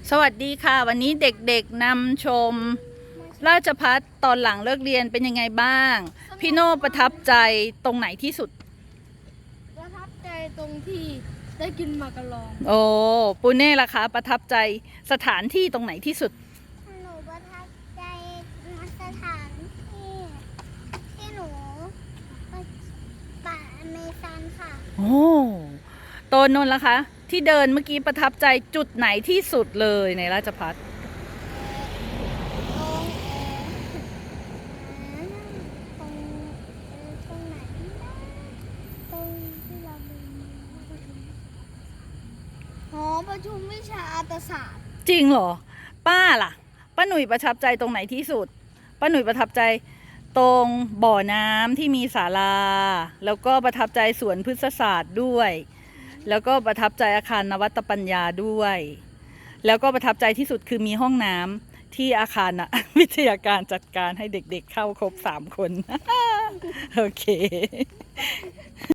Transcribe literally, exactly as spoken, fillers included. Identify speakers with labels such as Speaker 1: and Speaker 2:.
Speaker 1: สวัสดีค่ะวันนี้เด็กๆนำชมราชภัฏตอนหลังเลิกเรียนเป็นยังไงบ้างพี่โน่ประทับใจตรงไหนที่สุด
Speaker 2: ประทับใจตรงที่ได้กินหมากกะลอง
Speaker 1: โอ้ปูเน่ล่ะคะประทับใจสถานที่ตรงไหนที่สุด
Speaker 3: หนูประทับใจสถานที่ที่หนูป่าอเมซอนค่ะ
Speaker 1: โอ้โตนนท์ล่ะคะที่เดินเมื่อกี้ประทับใจจุดไหนที่สุดเลยในราชภัฏ
Speaker 3: ตรงเออตรงเออตรงไหนนะตรงที่เราไปประชุมหอประชุมวิชาอาตศาสตร์
Speaker 1: จริงเหรอป้าล่ะป้าหนุ่ยประทับใจตรงไหนที่สุดป้าหนุ่ยประทับใจตรงบ่อน้ำที่มีศาลาแล้วก็ประทับใจสวนพฤกษศาสตร์ด้วยแล้วก็ประทับใจอาคารนวัตปัญญาด้วยแล้วก็ประทับใจที่สุดคือมีห้องน้ำที่อาคารนะวิทยาการจัดการให้เด็กๆเข้าครบสามคนโอเค